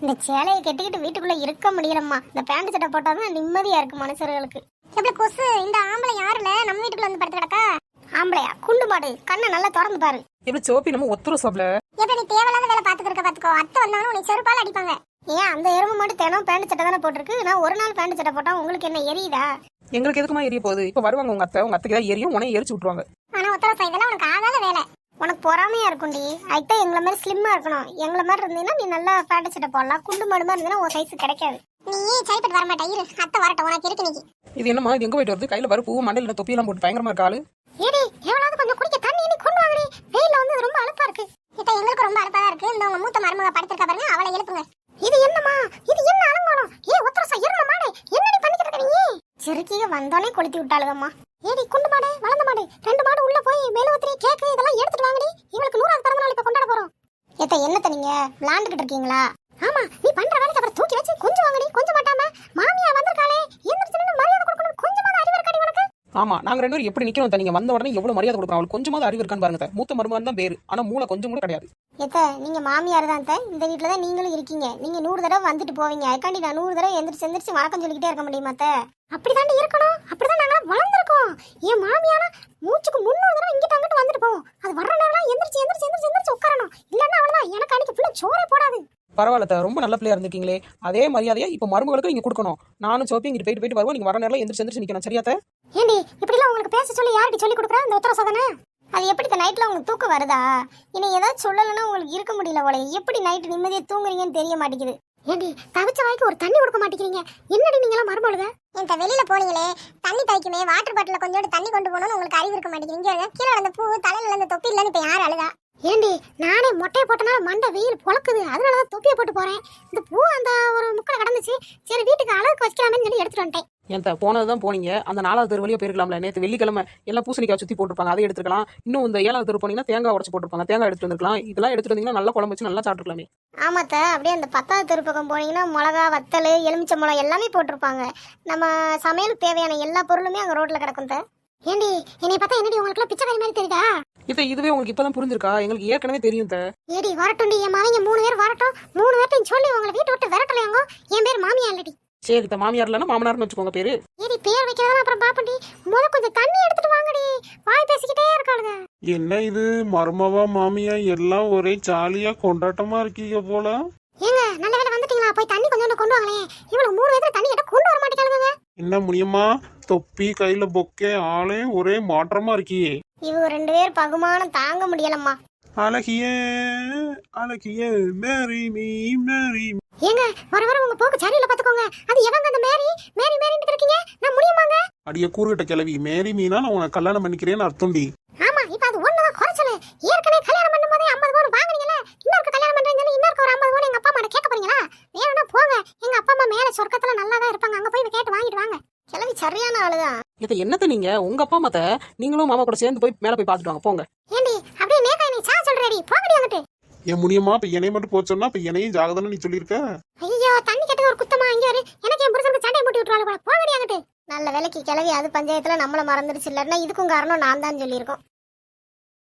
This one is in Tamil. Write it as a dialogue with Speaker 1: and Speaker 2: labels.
Speaker 1: இந்த சேலையை கட்டிக்கிட்டு வீட்டுக்குள்ள இருக்க முடியலம்மா. இந்த பேண்ட் சட்டை போட்டாதான் நிம்மதியா இருக்கு மனுஷர்களுக்கு. எப்படி கொசு இந்த ஆம்பளை யாருல நம்ம வீட்டுக்குள்ள வந்து படுத்து கிடக்கா? ஆம்பளையா? குண்டு மாடு, கண்ணை நல்லா திறந்து பாரு.
Speaker 2: எப்படி சோப்பி நம்ம ஒத்துரும் சோப்ல.
Speaker 1: எப்படி நீ தேவையில்லாத வேலை பாத்துக்க பாத்துக்கோ. அத்தை வந்தாலும் உன்னை செருப்பால அடிப்பாங்க. ஏன் அந்த எறும்பு மட்டும் தினம் பேண்ட் சட்டை தானே போட்டிருக்கு? நான் ஒரு நாள் பேண்ட் சட்டை போட்டா உங்களுக்கு என்ன எரியுதா?
Speaker 2: எங்களுக்கு எதுக்குமா எரிய போகுது? இப்ப வருவாங்க உங்க அத்தைக்கு தான் எரியும், உனைய எரிச்சு விட்டுருவாங்க.
Speaker 1: ஆனா ஒத்தர இதெல்லாம் உனக்கு ஆகாத வேலை. உனக்கு பொறாமையா இருக்கும்டி. அதுதான் எங்களை மாதிரி ஸ்லிம்மா இருக்கணும். எங்களை மாதிரி இருந்தீங்கன்னா நீ நல்லா பேண்ட் சட்டை போடலாம். குண்டு மாடு மாதிரி இருந்தீங்கன்னா உன் சைஸ் கிடைக்காது. நீ சரிப்பட்டு வர மாட்டா. இரு, அத்தை வரட்டும். உனக்கு இருக்கு நீ.
Speaker 2: இது என்னமா? இது எங்க போயிட்டு வருது? கையில வர பூ மண்டையில தொப்பியெல்லாம் போட்டு பயங்கரமா இருக்காளு.
Speaker 1: ஏடி எவ்வளவு கொஞ்சம் குடிக்க தண்ணி நீ கொண்டு வாங்கடி. வெயில்ல வந்து ரொம்ப அலுப்பா இருக்கு. இத எங்களுக்கு ரொம்ப அலுப்பா இருக்கு. இந்த உங்க மூத்த மருமக படுத்துக்க பாருங்க, அவளை எழுப்புங்க. இது என்னமா? இது என்ன அலங்கோலம்? ஒத்தரசா இருந்த மாடு என்னடி பண்ணிக்கிட்டு இருக்க நீ? சிறுக்கிக வந்தாலே கொளுத்தி விட்டாளுங்கம்மா. ஏடி குண்டு மாடு, வளர்ந்த மாடு, ரெண்டு மாடு உள்ள போய் மெழுகுத்திரி கேக்கு இதெல்லாம் எடுத்துட்டு வாங்கடி. இவளுக்கு 100வது பிறந்த நாள் இப்ப கொண்டாட போறோம். என்னத்த நீங்க விளையாண்டுகிட்டு இருக்கீங்களா? ஆமா, நீ பண்ற வேலைக்கு அப்புறம் தூக்கி வச்சு கொஞ்சம் வாங்கடி. கொஞ்சம் மாட்டாம மாமியா வந்திருக்காளே, எந்திரச்சு மரியாதை கொடுக்கணும். கொஞ்சமாவது அறிவு இருக்காடி உனக்கு?
Speaker 2: ஆமா, நாங்க ரெண்டு பேரும் எப்படி நிக்கிறோம்? நீங்க வந்த உடனே எவ்வளவு மரியாதை கொடுக்குறோம். அவளுக்கு கொஞ்சமாவது அறிவு இருக்கான்னு பாருங்க. மூத்த மருமகன் தான் பேரு, ஆனா மூளை கொஞ்சம் கூட கிடையாது.
Speaker 1: நீங்க மாமியார் தான். இந்த வீட்டுல தான் நீங்களும் இருக்கீங்க. நீங்க 100 தடவை வந்துட்டு போவீங்க. அதுக்காண்டி நான் 100 தடவை எந்திரிச்சு வணக்கம் சொல்லிக்கிட்டே இருக்க முடியுமா? அப்படிதாண்டி இருக்கணும். அப்படிதான் நாங்க வளர்ந்துருக்கோம். என் மாமியாரா மூச்சுக்கு 300 தடவை இங்கிட்ட அங்கிட்டு வந்துட்டு போவோம். அது வர்ற நேரம் எந்திரிச்சு உட்காரணும். இல்லன்னா அவ்வளவுதான். எனக்கு அன்னைக்கு ஃபுல்லா சோறே போடாது.
Speaker 2: பரவாயில்ல, ரொம்ப நல்ல பிள்ளையா இருந்திருக்கீங்களே. அதே மரியாதையா இப்ப மருமகளுக்கு நீங்க கொடுக்கணும். நானும் சோப்பி இங்கிட்டு போயிட்டு வருவோம். நீங்க வர நேரம் எந்திரிச்சு நிக்கணும். சரியாத்த?
Speaker 1: ஏண்டி இப்படி எல்லாம் உங்களுக்கு பேச சொல்லி யாருக்கு சொல்லி கொடுக்குறா இந்த உத்தர சாதனை? அது எப்படி நைட்ல உங்களுக்கு தூக்கம் வருதா? இனி ஏதாவது சொல்லலைன்னா உங்களுக்கு இருக்க முடியல போல. எப்படி நைட்டு நிம்மதியா தூங்குறீங்கன்னு தெரிய மாட்டேங்குது. ஏண்டி தவிச்ச வாய்க்கு ஒரு தண்ணி கொடுக்க மாட்டேங்கிறீங்க? என்னடி நீங்க எல்லாம் மறுபொழுது என்கிட்ட வெளியில போனீங்களே, தண்ணி தைக்குமே வாட்டர் பாட்டில கொஞ்சோண்டு தண்ணி கொண்டு போகணும்னு உங்களுக்கு அறிவு இருக்க மாட்டேங்கிறீங்க. கீழே அந்த பூ தலையில அந்த தொப்பி இல்லன்னு இப்ப யாரு அழுதா? ஏண்டி நானே மொட்டையை போட்டனால மண்டை வெயில் பொழக்குது. அதனாலதான் தொப்பியை போட்டு போறேன். இந்த பூ அந்த ஒரு முக்கடை கடந்துச்சு. சரி வீட்டுக்கு அழகுக்கு வச்சுக்கலாமேன்னு சொல்லி எடுத்துட்டு வந்துட்டேன்.
Speaker 2: ஏன்ட்ட போனதுதான் போனீங்க. அந்த 4வது தெரு வழியா போயிருக்கலாம்ல. நேற்று வெள்ளிக்கிழமை எல்லாம் பூசணிக்காய் சுத்தி போட்டுருப்பாங்க, அதை எடுத்துக்கலாம். இன்னும் இந்த 7வது தெரு போனீங்கன்னா தேங்காய் உடச்சு போட்டுருப்பாங்க, தேங்காய் எடுத்துட்டு வந்துருக்கலாம். இதெல்லாம் எடுத்துட்டு வந்தீங்கன்னா நல்லா குழம்பு வச்சு நல்லா சாப்பிட்டுக்கலாமே.
Speaker 1: ஆமாத்த, அப்படியே அந்த 10வது தெரு பக்கம் போனீங்கன்னா மிளகா, வத்தல், எலுமிச்சை மிளகா எல்லாமே போட்டிருப்பாங்க. நம்ம சமையலுக்கு தேவையான எல்லா பொருளுமே அங்க ரோட்ல கிடக்கும். ஏண்டி என்னை பார்த்தா என்னடி உங்களுக்கு பிச்சைக்காரி மாதிரி தெரியுதா?
Speaker 2: இதுவே உங்களுக்கு இப்பதான் புரிஞ்சிருக்கா? எங்களுக்கு ஏற்கனவே தெரியும்.
Speaker 1: ஏடி வரட்டும்டி, என் மாமிங்க 3 பேர் வரட்டும். 3 பேர்ட்டையும் சொல்லி உங்களை வீட்டை விட்டு விரட்டலையாங்க. என் பேர் மாமியா இல்லடி.
Speaker 2: சரி, மாமியார் இல்லைன்னா மாமனார்னு வச்சுக்கோங்க பேரு.
Speaker 1: ஏடி பேர் வைக்கிறதா அப்புறம் பாப்பண்டி. கொஞ்சம் தண்ணி எடுத்துட்டு வாங்கடி. வாய் பேசிக்கிட்டே இருக்காளுங்க.
Speaker 3: என்ன இது மருமவா மாமியா எல்லாம் ஒரே ஜாலியா கொண்டாட்டமா இருக்கீங்க போல.
Speaker 1: ஏங்க நல்ல வேளை வந்துட்டீங்களா? போய் தண்ணி கொஞ்சம் கொண்டு வாங்களே. இவ்வளவு 3 பேர் தண்ணி கேட்டா கொண்டு வர மாட்டேங்காளுங்க.
Speaker 3: என்ன முடியுமா? தொப்பி கையில பொக்கே ஆளே ஒரே மாற்றமா இருக்கியே.
Speaker 1: இவங்க 2 பேர் பகுமானம் தாங்க முடியலம்மா.
Speaker 3: அழகிய அழகிய மேரி மீ மேரி.
Speaker 1: ஏங்க வர உங்க போக்கு சரியில்லை பாத்துக்கோங்க. அது எவங்க அந்த மேரி மேரி மேரின்னு இருக்கீங்க? நான் முடியுமாங்க?
Speaker 3: அடிய கூறுகிட்ட கிளவி, மேரி மீனா நான் உனக்கு கல்யாணம் பண்ணிக்கிறேன்னு அர்த்தம்டி.
Speaker 1: ஆமா, இப்ப அது ஒண்ணுதான் குறைச்சல. ஏற்கனவே கல்யாணம் பண்ணும்போதே 50 பவுன் வாங்குனீங்கல. இன்னொரு கல்யாணம் பண்றீங்கன்னு இன்னொரு ஒரு 50 பவுன் எங்க அப்பா அம்மா கேட்க போறீங்களா? வேணும்னா போங்க. எங்க அப்பா அம்மா மேல சொர்க்கத்துல நல்லா தான் இருப்பாங்க. அங்க போய் கேட்டு வாங்கிட்டு வாங்க. கிளவி சரியான ஆளுதான்.
Speaker 2: இதை என்னத்த நீங்க உங்க அப்பா அம்மாத்த நீங்களும் மாமா கூட சேர்ந்து போய் மேல போய் பாத்துட்டு வாங்க போங்க.
Speaker 1: ஏண்டி அப்படியே நேக்கா நீ சா சொல்றேடி. போங்கடி அங்கிட்டு.
Speaker 3: ஏன் முடியுமா? இப்ப என்னைய மட்டும் போச்சோன்னா இப்ப என்னையும் ஜாகதானே நீ சொல்லியிருக்க.
Speaker 1: ஐயோ தண்ணி கேட்டது ஒரு குத்தமா? இங்க வரு. எனக்கு என் புருஷனுக்கு சண்டை மூட்டி விட்டுறாளு போல. போங்கடி அங்கிட்டு. நல்ல வேலைக்கு கிளவி அது பஞ்சாயத்துல நம்மள மறந்துடுச்சு. இல்லன்னா இதுக்கும் காரணம் நான் தான் சொல்லியிருக்கோம்.